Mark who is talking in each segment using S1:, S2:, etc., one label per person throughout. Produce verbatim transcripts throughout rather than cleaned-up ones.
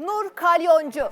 S1: Nur Kalyoncu.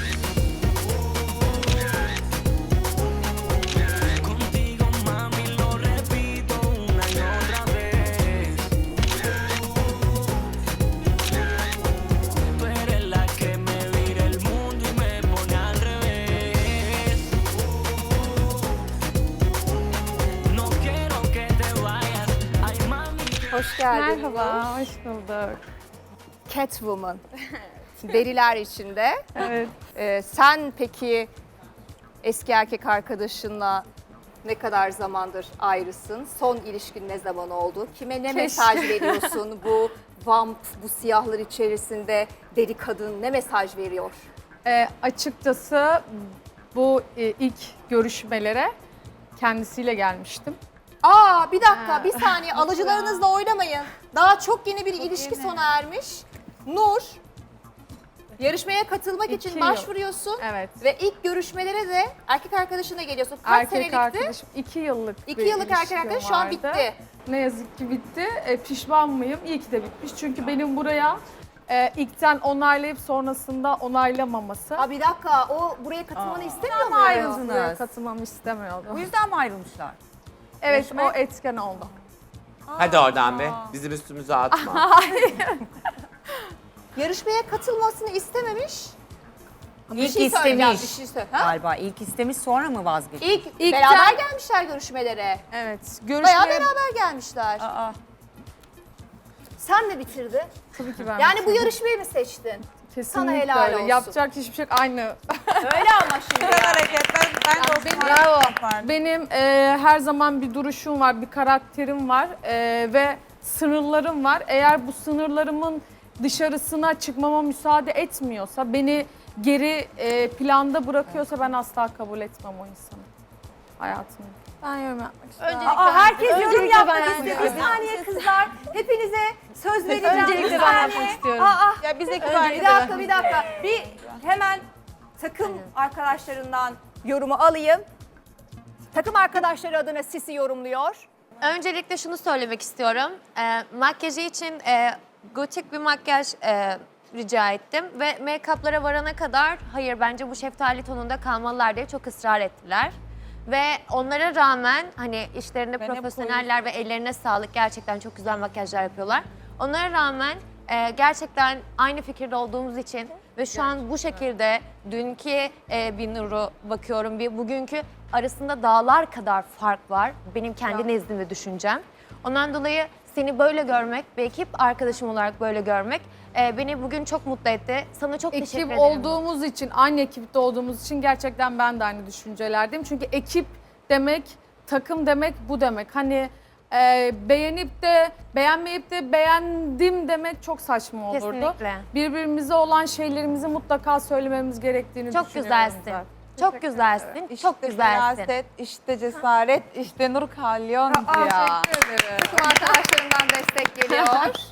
S1: Hoş geldin.
S2: Merhaba, hoş bulduk.
S1: Catwoman. Deriler içinde.
S2: Evet.
S1: Ee, sen peki eski erkek arkadaşınla ne kadar zamandır ayrısın? Son ilişkin ne zaman oldu? Kime ne
S2: Keşke.
S1: mesaj veriyorsun? Bu vamp, bu siyahlar içerisinde deri kadın ne mesaj veriyor?
S2: Ee, açıkçası bu e, ilk görüşmelere kendisiyle gelmiştim.
S1: Aa bir dakika
S2: Ha.
S1: bir saniye alıcılarınızla oynamayın. Daha çok yeni bir ilişki sona ermiş. Nur, yarışmaya katılmak
S2: İki
S1: için
S2: yıl.
S1: başvuruyorsun.
S2: Evet.
S1: Ve ilk görüşmelere de erkek arkadaşına geliyorsun. Kaç
S2: Erkek
S1: senelikti?
S2: arkadaşım, iki yıllık
S1: İki
S2: bir
S1: yıllık erkek
S2: ilişkim
S1: arkadaş şu an
S2: vardı.
S1: bitti.
S2: Ne yazık ki bitti. E, pişman mıyım? İyi ki de bitmiş. Çünkü benim buraya e, ilkten onaylayıp sonrasında onaylamaması.
S1: Aa bir dakika o buraya katılmanı istemiyor
S3: ama
S1: mu?
S3: ayrıldın.
S2: Buraya katılmamı istemiyordu.
S3: Bu yüzden mi ayrılmışlar?
S2: Evet,
S3: Görüşmek-
S2: o etken oldu.
S4: Hadi oradan be. Bizim üstümüze atma.
S1: Yarışmaya katılmasını istememiş. Bir
S3: İlk
S1: şey söyleyeceğim,
S3: istemiş.
S1: bir şey söyle. Ha?
S3: Galiba ilk istemiş sonra mı vazgeçti?
S1: İlk
S2: İlkten-
S1: beraber gelmişler görüşmelere.
S2: Evet,
S1: Bayağı
S2: görüşmeye
S1: beraber gelmişler.
S3: Aa,
S1: Sen mi bitirdin?
S2: tabii ki ben
S1: Yani bu
S2: bitirdim.
S1: yarışmayı mı seçtin?
S2: Kesinlikle
S1: helal
S2: öyle.
S1: olsun.
S2: Yapacak hiçbir şey yok. Aynı.
S1: Öyle ama şimdi.
S3: hareketler ben de
S2: benim-
S3: Osman'ı
S2: Bravo.
S3: yapardım.
S2: Benim e, her zaman bir duruşum var, bir karakterim var e, ve sınırlarım var. Eğer bu sınırlarımın dışarısına çıkmama müsaade etmiyorsa, beni geri e, planda bırakıyorsa ben asla kabul etmem o insanı hayatımda. Ben yorum yapmak istiyorum.
S1: Aa, herkes yorum
S2: Öncelikle
S1: yapmak
S2: ben
S1: istiyor.
S2: yapmak
S1: Bir saniye kızlar. Hepinize söz vereceğim.
S2: Öncelikle
S1: Bir
S2: ben
S1: saniye.
S2: yapmak istiyorum.
S1: Aa,
S3: Ya bize
S1: bir dakika, bir dakika. Bir hemen takım arkadaşlarından yorumu alayım. Takım arkadaşları adına Sisi yorumluyor.
S5: Öncelikle şunu söylemek istiyorum. E, makyajı için e, gotik bir makyaj e, rica ettim ve make-up'lara varana kadar hayır bence bu şeftali tonunda kalmalılar diye çok ısrar ettiler. Ve onlara rağmen hani işlerinde
S3: Ben hep
S5: profesyoneller ve ellerine sağlık gerçekten çok güzel makyajlar yapıyorlar. Onlara rağmen e, gerçekten aynı fikirde olduğumuz için ve şu an bu şekilde dünkü e, bir Nur'u bakıyorum bir bugünkü arasında dağlar kadar fark var. Benim kendi nezdim ve düşüncem. Ondan dolayı seni böyle görmek ve ekip arkadaşım olarak böyle görmek e, beni bugün çok mutlu etti. Sana çok teşekkür
S2: Ekip
S5: ederim.
S2: olduğumuz için, aynı ekipte olduğumuz için gerçekten ben de aynı düşüncelerdeyim. Çünkü ekip demek, takım demek bu demek. Hani e, beğenip de, beğenmeyip de beğendim demek çok saçma olurdu.
S5: Kesinlikle.
S2: Birbirimize olan şeylerimizi mutlaka söylememiz gerektiğini
S5: Çok
S2: düşünüyorum
S5: güzelsin.
S2: zaten.
S5: Çok güzelsin.
S6: İşte
S5: çok güzelsin.
S6: feraset, işte cesaret, işte Nur Kalyoncu ya.
S1: Takım arkadaşlarından destek geliyor.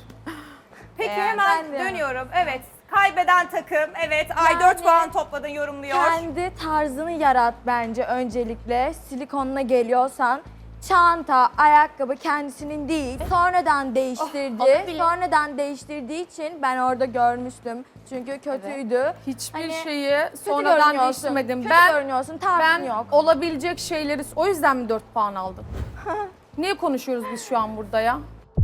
S7: Peki
S6: Eğer
S7: hemen
S6: ben de-
S7: dönüyorum. Evet. Kaybeden takım. Evet. Ay dört puan topladın yorumluyor.
S8: Kendi tarzını yarat bence öncelikle. Silikonla geliyorsan çanta, ayakkabı kendisinin değil. Sonradan değiştirdi.
S5: olabilir.
S8: Sonradan değiştirdiği için ben orada görmüştüm. Çünkü kötüydü.
S2: Hiçbir
S8: Hani
S2: şeyi
S8: Kötü
S2: sonradan
S8: görünüyorsun.
S2: değiştirmedim.
S8: Kötü
S2: Ben
S8: görünüyorsun. Tarzın
S2: ben
S8: yok.
S2: olabilecek şeyleri o yüzden mi dört puan aldım? Niye konuşuyoruz biz şu an burada ya?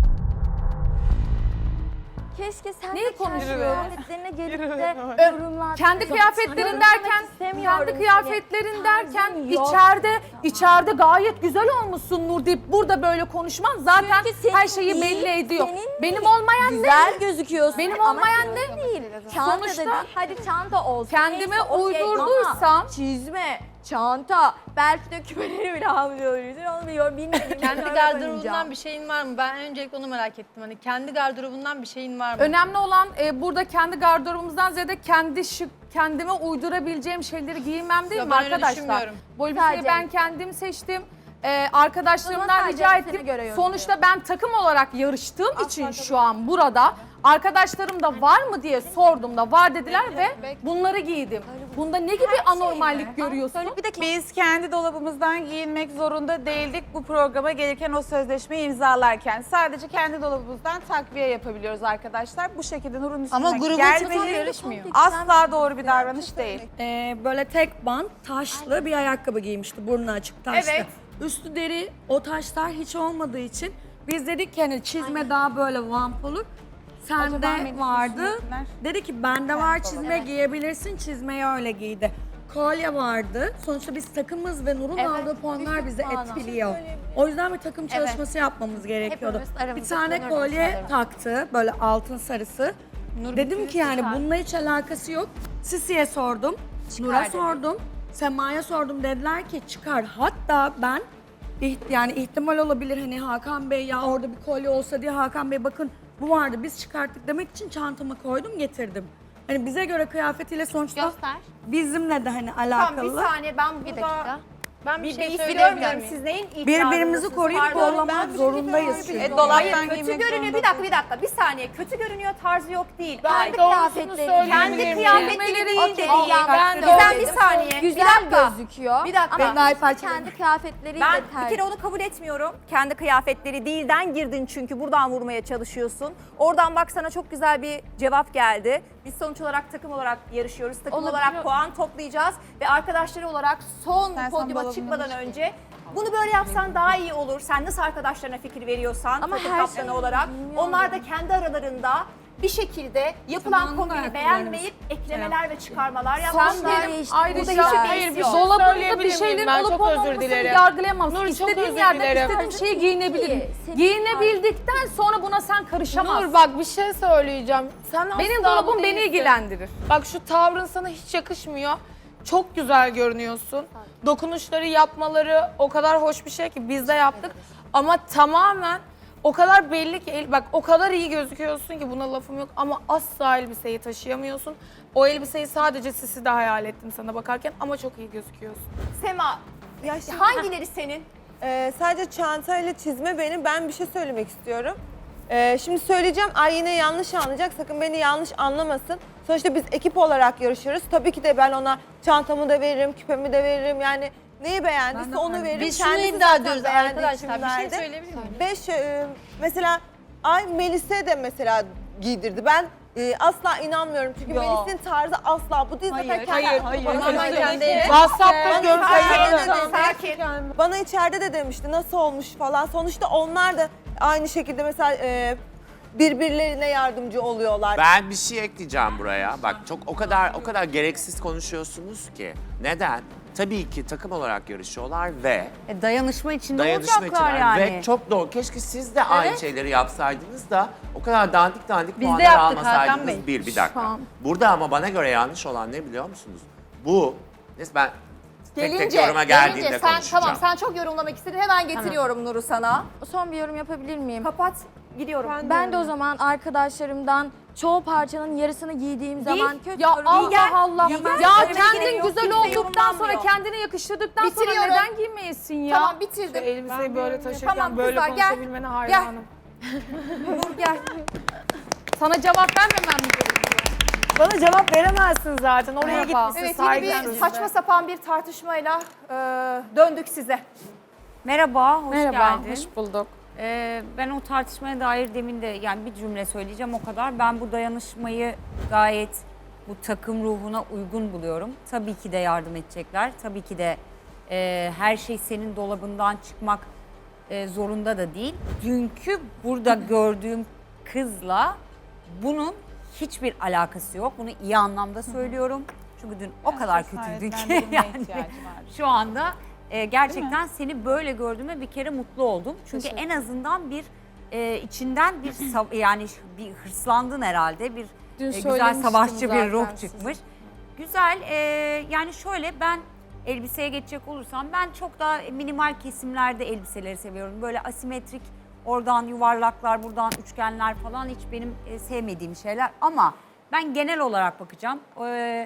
S8: Keşke sen
S2: Neyi
S8: de kendi
S2: konuşuyoruz?
S8: kıyafetlerine gelip de yorumlar.
S2: Kendi kıyafetlerin derken, kendi kıyafetlerin derken
S8: Tarzın yok.
S2: içeride içeride gayet güzel olmuşsun Nur deyip burada böyle konuşman zaten
S8: Çünkü senin
S2: her şeyi
S8: değil,
S2: belli ediyor.
S8: senin
S2: Benim
S8: değil.
S2: olmayan ne?
S8: Güzel gözüküyorsun.
S2: Benim
S8: ama
S2: olmayan
S8: senin değil. Çanta
S2: Sonuçta
S8: da değil. Hadi çanta olsun.
S2: kendime
S8: neyse, okey
S2: uydurduysam-
S8: ama çizme, çanta, belki de küpeleri bile almıyoruz. Onu biliyorum, bilmiyorum.
S9: Kendi gardırobundan bir şeyin var mı? Ben öncelikle onu merak ettim. Hani kendi gardırobundan bir şeyin var mı?
S2: Önemli olan e, burada kendi gardırobumuzdan ziyade kendi şık, kendime uydurabileceğim şeyleri giymem değil
S9: Ya
S2: mi
S9: ben öyle
S2: arkadaşlar?
S9: düşünmüyorum.
S2: Bu elbiseyi
S8: Sadece-
S2: ben kendim seçtim. e, arkadaşlarımdan
S8: sadece
S2: rica
S8: seni
S2: ettim.
S8: göre yorum
S2: Sonuçta ben takım olarak yarıştığım için şu an burada arkadaşlarım da var mı diye sordum da var dediler ve bunları giydim. Bunda ne gibi anormallik görüyorsun?
S6: Biz kendi dolabımızdan giyinmek zorunda değildik bu programa gelirken o sözleşmeyi imzalarken. Sadece kendi dolabımızdan takviye yapabiliyoruz arkadaşlar. Bu şekilde Nur'un üstüne
S9: Ama grubun
S6: gelmeyi
S9: yarışmıyor.
S6: asla doğru bir davranış değil.
S10: Ee, böyle tek bant taşlı bir ayakkabı giymişti. Burnu açık taşlı.
S1: Evet.
S10: Üstü deri, o taşlar hiç olmadığı için biz dedik ki hani çizme daha böyle vamp olur. Sende
S6: benim
S10: vardı.
S6: üstümdekiler-
S10: Dedi ki bende var çizme giyebilirsin. Çizmeyi öyle giydi. Kolye vardı. Sonuçta biz takımız ve Nur'un aldığı puanlar bizi etkiliyor. O yüzden bir takım çalışması yapmamız gerekiyordu.
S5: Hepimiz
S10: Bir
S5: aramızda
S10: tane
S5: kullanırız
S10: kolye
S5: sanırım.
S10: taktı böyle altın sarısı. Dedim ki yani bununla hiç alakası yok. Sisi'ye sordum, Nur'a
S5: dedi.
S10: sordum, Sema'ya sordum. Dediler ki çıkar. Hatta ben iht- yani ihtimal olabilir hani Hakan Bey ya orada bir kolye olsa diye Hakan Bey bakın bu vardı biz çıkarttık demek için çantama koydum getirdim. Hani bize göre kıyafetiyle sonuçta
S5: Göster.
S10: bizimle de hani
S1: Tamam bir
S10: alakalı.
S1: saniye ben
S5: Bir
S1: burada
S5: dakika.
S9: Ben bir
S1: bir,
S9: şey
S1: bir
S9: söyleyebilir
S1: biliyorum
S9: miyim?
S1: siz neyin itirazındasınız?
S10: Birbirimizi koruyup
S1: Pardon,
S10: kollamak
S1: ben bir şey
S10: zorundayız çünkü.
S6: E, dolaptan
S1: Hayır kötü
S6: giymek
S1: görünüyor.
S6: zorunda
S1: Bir dakika bir dakika bir saniye. Kötü görünüyor tarzı yok değil.
S2: Ben
S1: Ay,
S2: doğrusunu
S8: kıyafetleri-
S2: söyleyebilir
S1: kendi
S2: miyim?
S1: kıyafetleri değil
S8: Okey,
S1: dedi.
S8: Allah,
S2: ben de
S1: Gizem
S2: öyle
S1: bir
S2: dedim.
S1: saniye.
S8: Güzel
S1: bir dakika.
S8: gözüküyor.
S1: Bir dakika.
S8: Ama
S10: Nail
S8: kendi
S10: parçaları.
S8: kıyafetleriyle
S1: Ben bir
S8: tercih.
S1: kere onu kabul etmiyorum. Kendi kıyafetleri değilden girdin çünkü buradan vurmaya çalışıyorsun. Oradan bak sana çok güzel bir cevap geldi. Biz sonuç olarak takım olarak yarışıyoruz. Takım
S8: Olabilir.
S1: olarak puan toplayacağız. Ve arkadaşları olarak son
S6: Sen
S1: podyuma
S6: sen
S1: çıkmadan
S6: dolabını
S1: önce bunu böyle yapsan daha iyi olur. Sen nasıl arkadaşlarına fikir veriyorsan
S8: Ama
S1: takım
S8: her
S1: kaptanı
S8: şey
S1: olarak.
S8: bilmiyorum.
S1: Onlar da kendi aralarında bir şekilde yapılan
S10: Zamanında
S1: kombini
S10: ayakkabılarımız.
S1: beğenmeyip eklemeler ve çıkarmalar
S8: Son
S1: yapmışlar.
S8: bir değişti.
S2: Ayrıca
S1: Burada hiçbir
S2: hayır
S1: beis
S2: bir
S1: yok.
S2: dolabında
S3: Söyleyebilir
S2: bir
S3: miyim?
S2: şeylerin
S3: Ben
S2: olup
S3: çok özür
S2: olmamasını
S3: dilerim.
S2: yargılayamam.
S3: Nur, çok
S2: İstediğim
S3: özür
S2: yerden
S3: dilerim.
S2: istediğim şeyi giyinebilirim.
S8: Senin
S2: Giyinebildikten sonra buna sen karışamazsın.
S9: Nur bak bir şey söyleyeceğim. Sen
S2: Benim
S9: asla
S2: dolabım
S9: bu
S2: beni
S9: değilsin.
S2: ilgilendirir.
S9: Bak şu tavrın sana hiç yakışmıyor. Çok güzel görünüyorsun. Dokunuşları yapmaları o kadar hoş bir şey ki biz de yaptık. Ama tamamen o kadar belli ki el- bak o kadar iyi gözüküyorsun ki buna lafım yok ama asla elbiseyi taşıyamıyorsun. O elbiseyi sadece sisi de hayal ettim sana bakarken ama çok iyi gözüküyorsun.
S1: Sema,
S11: Ya şimdi,
S1: hangileri senin?
S11: e, sadece çantayla çizme benim. Ben bir şey söylemek istiyorum. E, şimdi söyleyeceğim. Ay yine yanlış anlayacak. Sakın beni yanlış anlamasın. Sonuçta biz ekip olarak yarışıyoruz. Tabii ki de ben ona çantamı da veririm, küpemi de veririm. Yani neyi beğendiyse onu veririm.
S9: Biz şunu
S11: Kendisi
S9: iddia
S11: zaten
S9: ediyoruz
S11: beğendiği için
S9: arkadaşlar. Bir şey
S11: verdi.
S9: söyleyebilir miyim?
S11: Beş, e, mesela Ay Melis'e de mesela giydirdi. Ben e, asla inanmıyorum. Çünkü Melis'in tarzı asla bu değil. Zaten kendi-
S6: hayır,
S11: bana
S9: Ama
S11: söyledi
S9: kendi
S11: ki-
S9: WhatsApp'ta
S11: Bana içeride de
S9: görüntüleri.
S11: dedi,
S1: Sakin.
S11: bana içeride de demişti nasıl olmuş falan. Sonuçta onlar da aynı şekilde mesela e, birbirlerine yardımcı oluyorlar.
S4: Ben bir şey ekleyeceğim buraya. Bak çok o kadar o kadar gereksiz konuşuyorsunuz ki. Neden? Tabii ki takım olarak yarışıyorlar ve
S3: E, dayanışma içinde
S4: dayanışma
S3: olacaklar
S4: için
S3: yani.
S4: ve çok doğru. Keşke siz de aynı şeyleri yapsaydınız da o kadar dandik dandik
S3: Biz de
S4: puanlar
S3: yaptık Hakan
S4: almasaydınız.
S3: Bey.
S4: Bir, bir dakika. Burada ama bana göre yanlış olan ne biliyor musunuz? Bu, neyse ben tek tek
S1: Gelince,
S4: yoruma geldiğinde
S1: gelince sen
S4: konuşacağım.
S1: tamam sen çok yorumlamak istedin. Hemen getiriyorum Nur'u sana.
S8: Son bir yorum yapabilir miyim?
S1: Kapat, gidiyorum.
S8: Ben de o zaman arkadaşlarımdan çoğu parçanın yarısını giydiğim zaman kötü
S2: Ya
S8: yorum-
S2: Allah
S1: gel.
S2: Allah.
S1: Giy gel.
S2: Ya
S1: Öyle bir
S2: kendin
S1: gerek yok.
S2: güzel
S1: Kimse
S2: olduktan sonra
S1: yorumlanmıyor.
S2: kendine yakıştırdıktan sonra
S1: Bitiriyorum.
S2: neden giymeyesin ya?
S1: Tamam bitirdim.
S9: Elbiseyi böyle taşırken
S1: Tamam,
S9: böyle
S1: kızlar, gel.
S9: konuşabilmene hayranım.
S1: Nur gel.
S2: Sana cevap vermemem mi gerekiyor?
S3: Bana cevap veremezsin zaten. Oraya
S2: Merhaba.
S3: gitmişsin
S1: Evet yine bir
S3: saygısız.
S1: saçma sapan bir tartışmayla e, döndük size.
S3: Merhaba, hoş
S2: Merhaba,
S3: geldin.
S2: hoş bulduk.
S3: Ee, ben o tartışmaya dair demin de yani bir cümle söyleyeceğim o kadar. Ben bu dayanışmayı gayet bu takım ruhuna uygun buluyorum. Tabii ki de yardım edecekler. Tabii ki de e, her şey senin dolabından çıkmak e, zorunda da değil. Dünkü burada gördüğüm kızla bunun hiçbir alakası yok. Bunu iyi anlamda söylüyorum. Çünkü dün o kadar kötüydü ki yani şu anda e, gerçekten seni böyle gördüğüme bir kere mutlu oldum. Çünkü en azından bir e, içinden bir sav- yani bir hırslandın herhalde. Bir
S2: Dün
S3: e, güzel
S2: söylemiştim
S3: savaşçı
S2: zaten
S3: bir ruh
S2: size.
S3: çıkmış. Güzel e, yani şöyle ben elbiseye geçecek olursam ben çok daha minimal kesimlerde elbiseleri seviyorum. Böyle asimetrik oradan yuvarlaklar buradan üçgenler falan hiç benim e, sevmediğim şeyler ama ben genel olarak bakacağım. E,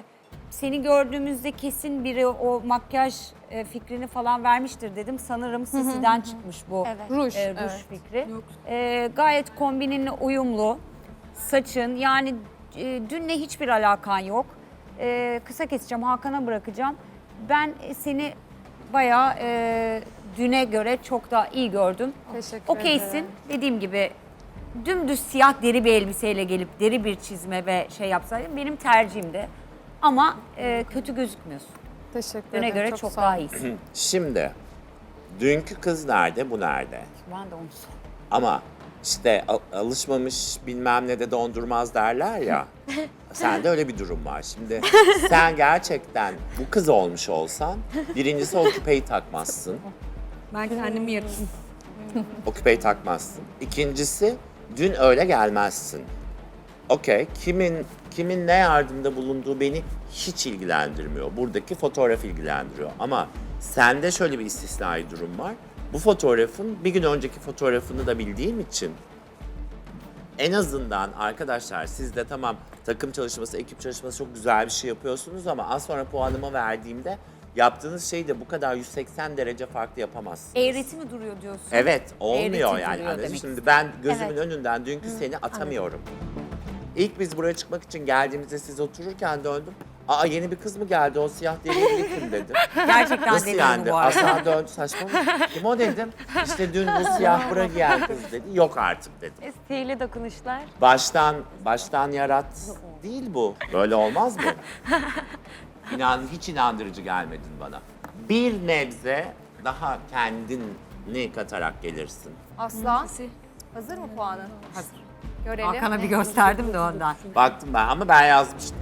S3: seni gördüğümüzde kesin biri o makyaj e, fikrini falan vermiştir dedim. Sanırım Sisi'den çıkmış bu
S5: Evet.
S2: Ruj.
S3: e, ruj
S2: evet.
S3: fikri. E, gayet kombininle uyumlu. Saçın yani e, dünle hiçbir alakan yok. E, kısa keseceğim, Hakan'a bırakacağım. Ben e, seni bayağı e, düne göre çok daha iyi gördüm.
S2: Teşekkür
S3: Okeysin.
S2: ederim.
S3: Dediğim gibi dümdüz siyah deri bir elbiseyle gelip deri bir çizme ve şey yapsaydın benim tercihimdi. Ama e, kötü gözükmüyorsun.
S2: Teşekkür
S3: Düne
S2: ederim.
S3: göre çok,
S2: sağ
S3: daha
S2: ol.
S3: iyisin.
S4: Şimdi dünkü kız nerede, bu nerede?
S3: Ben de onu sor.
S4: Ama işte al- alışmamış bilmem ne de dondurmaz derler ya. Sende öyle bir durum var. Şimdi sen gerçekten bu kız olmuş olsan birincisi o küpeyi takmazsın.
S10: Ben kendimi yakayım.
S4: O küpeyi takmazsın. İkincisi dün öyle gelmezsin. Okey, kimin kimin ne yardımda bulunduğu beni hiç ilgilendirmiyor. Buradaki fotoğraf ilgilendiriyor. Ama sende şöyle bir istisnai durum var. Bu fotoğrafın bir gün önceki fotoğrafını da bildiğim için en azından arkadaşlar siz de tamam takım çalışması, ekip çalışması çok güzel bir şey yapıyorsunuz ama az sonra puanımı verdiğimde yaptığınız şeyi de bu kadar yüz seksen derece farklı yapamazsınız.
S3: Eğreti mi duruyor diyorsun?
S4: Evet, olmuyor
S3: Eğreti
S4: yani.
S3: duruyor
S4: Anladın?
S3: demek
S4: Şimdi ben gözümün
S5: Evet.
S4: önünden dünkü seni atamıyorum. İlk biz buraya çıkmak için geldiğimizde siz otururken döndüm. Aa yeni bir kız mı geldi o siyah derili kim dedim.
S3: Gerçekten
S4: Nasıl
S3: dedim
S4: yani?
S3: bu arada.
S4: Asla döndü saçma mı? Kim o dedim. İşte dün bu siyah bra giyen kız dedi. Yok artık dedim.
S5: Sihirli dokunuşlar.
S4: Baştan, baştan yarat değil bu. Böyle olmaz mı? İnan, hiç inandırıcı gelmedin bana. Bir nebze daha kendini katarak gelirsin.
S1: Aslan. Hazır mı puanın?
S3: Hazır.
S1: Görelim.
S3: Hakan'a bir gösterdim de ondan.
S4: Baktım ben ama ben yazmıştım.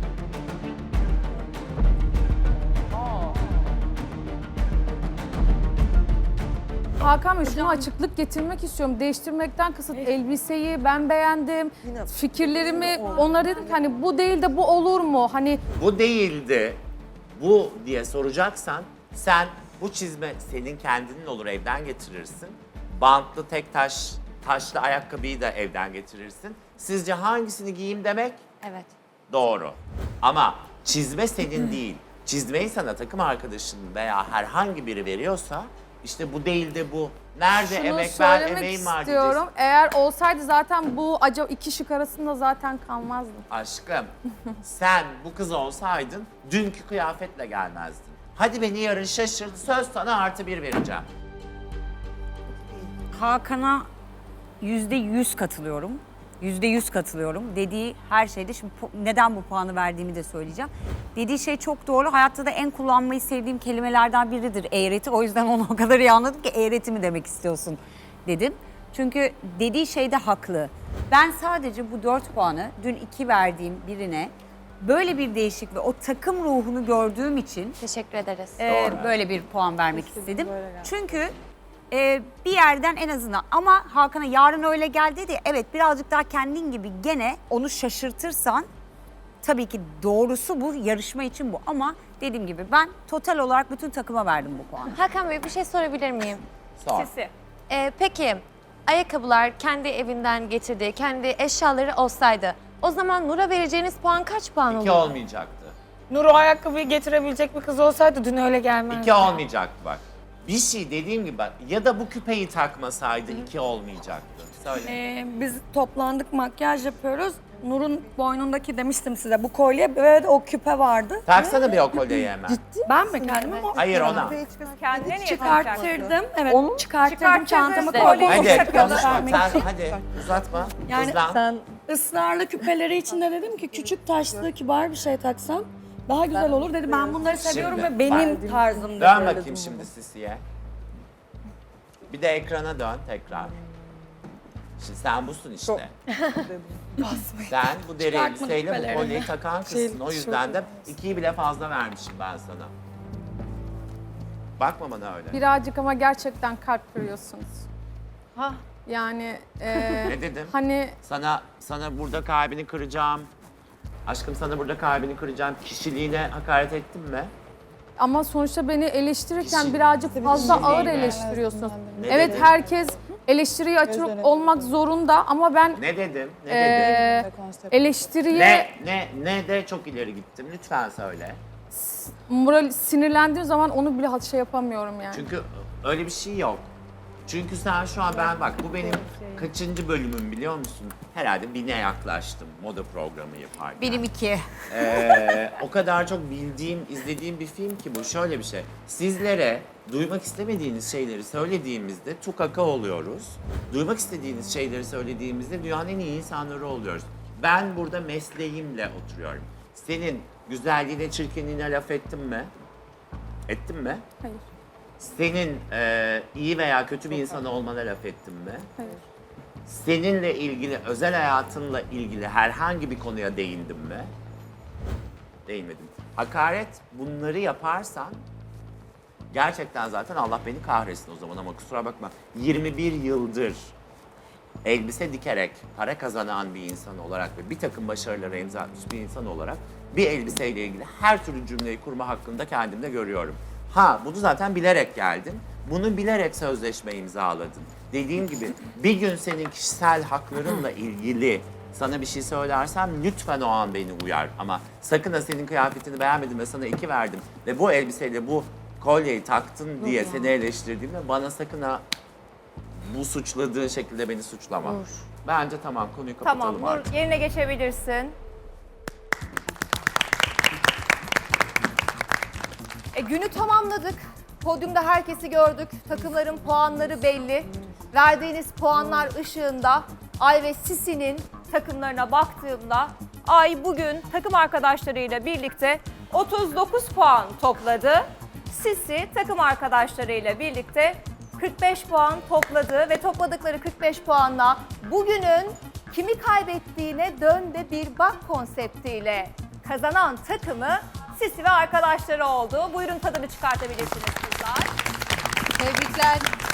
S2: Hakan Bey şuna açıklık getirmek istiyorum. Değiştirmekten kasıt elbiseyi ben beğendim. Fikirlerimi onlara dedim ki hani bu değil de bu olur mu? Hani
S4: Bu değildi, bu diye soracaksan sen bu çizme senin kendinin olur evden getirirsin. Bantlı tek taş, taşlı ayakkabıyı da evden getirirsin. Sizce hangisini giyeyim demek
S5: Evet.
S4: doğru. Ama çizme senin değil. Çizmeyi sana takım arkadaşın veya herhangi biri veriyorsa işte bu değil de bu. Nerede
S2: şunu
S4: emek ver,
S2: söylemek
S4: emeğim var
S2: istiyorum.
S4: diyeceksin.
S2: Eğer olsaydı zaten bu acaba iki şık arasında zaten kalmazdı.
S4: Aşkım sen bu kız olsaydın dünkü kıyafetle gelmezdin. Hadi beni yarın şaşırt, söz sana artı bir vereceğim.
S3: Hakan'a yüzde yüz katılıyorum. Yüzde yüz katılıyorum. Dediği her şeyde, şimdi pu- neden bu puanı verdiğimi de söyleyeceğim. Dediği şey çok doğru. Hayatta da en kullanmayı sevdiğim kelimelerden biridir eğreti. O yüzden onu o kadar iyi anladım ki eğreti mi demek istiyorsun dedim. Çünkü dediği şeyde haklı. Ben sadece bu dört puanı dün iki verdiğim birine böyle bir değişik ve o takım ruhunu gördüğüm için
S5: Teşekkür ederiz.
S3: e, böyle bir puan vermek istedim. Çünkü e, bir yerden en azından ama Hakan'a yarın öyle geldi dedi. Evet birazcık daha kendin gibi gene onu şaşırtırsan tabii ki doğrusu bu, yarışma için bu. Ama dediğim gibi ben total olarak bütün takıma verdim bu puanı.
S5: Hakan Bey bir şey sorabilir miyim?
S4: Sor.
S1: Sisi.
S5: Ee, peki ayakkabılar kendi evinden getirdiği, kendi eşyaları olsaydı o zaman Nur'a vereceğiniz puan kaç puan
S4: İki
S5: olur?
S4: olmayacaktı.
S9: Nur o ayakkabıyı getirebilecek bir kız olsaydı dün öyle gelmezdi.
S4: İki olmayacaktı bak. Bir şey dediğim gibi bak ya da bu küpeyi takmasaydı iki olmayacaktı. Söyle.
S10: Ee, biz toplandık, makyaj yapıyoruz. Nur'un boynundaki demiştim size bu kolye böyle de o küpe vardı.
S4: Taksana bir o kolyeyi hemen.
S10: Ben mi kendim ama
S4: Hayır ona.
S1: Kendine niye takacaksın?
S10: çıkarttırdım. Evet çıkarttırdım
S1: Çıkarttırdın.
S10: çantama
S1: İşte.
S10: koydum.
S4: Hadi
S1: Takıyorlar.
S4: konuşma sen hadi uzatma.
S10: Yani
S4: Hızlan.
S10: sen ısrarlı küpeleri içinde dedim ki küçük taşlı kibar bir şey taksam daha güzel olur dedi. Ben bunları seviyorum
S4: Şimdi,
S10: ve benim
S4: bak.
S10: tarzımda.
S4: Dön
S10: söyledim
S4: bakayım
S10: bunu.
S4: şimdi Sisi'ye. Bir de ekrana dön tekrar. Şimdi sen busun işte. Sen bu deri
S10: Çıkartma
S4: elbiseyle bu
S10: küpeleri.
S4: kolyeyi takan kızsın. O yüzden de ikiyi bile fazla vermişim ben sana. Bakma bana öyle.
S2: Birazcık ama gerçekten kalp kırıyorsunuz. Ha. Yani e,
S4: Ne dedim?
S2: hani
S4: Sana sana burada kalbini kıracağım. Aşkım sana burada kalbini kıracağım. Kişiliğine hakaret ettim mi?
S2: ama sonuçta beni eleştirirken
S4: Kişi-
S2: birazcık fazla ağır
S4: Kişiliğine.
S2: eleştiriyorsunuz.
S4: Ne
S2: Evet
S4: dedim?
S2: herkes eleştiriye açık olmak zorunda ama ben
S4: Ne dedim? Ne
S2: e,
S4: dedim?
S2: eleştiriye
S4: Ne, ne, ne de çok ileri gittim. Lütfen söyle.
S2: moral sinirlendiğim zaman onu bile şey yapamıyorum yani.
S4: Çünkü öyle bir şey yok. Çünkü sen şu an ben bak bu benim kaçıncı bölümüm biliyor musun? Herhalde bine yaklaştım moda programı yaparken.
S3: Benim iki.
S4: Ee, o kadar çok bildiğim, izlediğim bir film ki bu. Şöyle bir şey. Sizlere duymak istemediğiniz şeyleri söylediğimizde tukaka oluyoruz. Duymak istediğiniz şeyleri söylediğimizde dünyanın en iyi insanları oluyoruz. Ben burada mesleğimle oturuyorum. Senin güzelliğine, çirkinliğine laf ettim mi? Ettim mi?
S2: Hayır.
S4: Senin e, iyi veya kötü bir insan olmana laf ettim mi?
S2: Hayır.
S4: Seninle ilgili, özel hayatınla ilgili herhangi bir konuya değindim mi? Değinmedim. Hakaret, bunları yaparsan gerçekten zaten Allah beni kahretsin o zaman ama kusura bakma. yirmi bir yıldır elbise dikerek para kazanan bir insan olarak ve bir takım başarılara imza atmış bir insan olarak bir elbiseyle ilgili her türlü cümleyi kurma hakkında kendimde görüyorum. Ha, bunu zaten bilerek geldin. Bunu bilerek sözleşme imzaladın. Dediğim gibi bir gün senin kişisel haklarınla ilgili sana bir şey söylersem lütfen o an beni uyar. Ama sakın ha senin kıyafetini beğenmedim ve sana iki verdim ve bu elbiseyle bu kolyeyi taktın diye seni eleştirdiğimde bana sakın ha bu suçladığın şekilde beni suçlama. Bence tamam, konuyu kapatalım
S1: Tamam,
S4: artık.
S1: Nur, yerine geçebilirsin. E, günü tamamladık. Podyumda herkesi gördük. Takımların puanları belli. Verdiğiniz puanlar ışığında Ay ve Sisi'nin takımlarına baktığımda Ay bugün takım arkadaşlarıyla birlikte otuz dokuz puan topladı. Sisi takım arkadaşlarıyla birlikte kırk beş puan topladı ve topladıkları kırk beş puanla bugünün kimi kaybettiğine dön de bir bak konseptiyle kazanan takımı Sisi ve arkadaşları oldu. Buyurun tadını çıkartabilirsiniz kızlar.
S5: Tebrikler.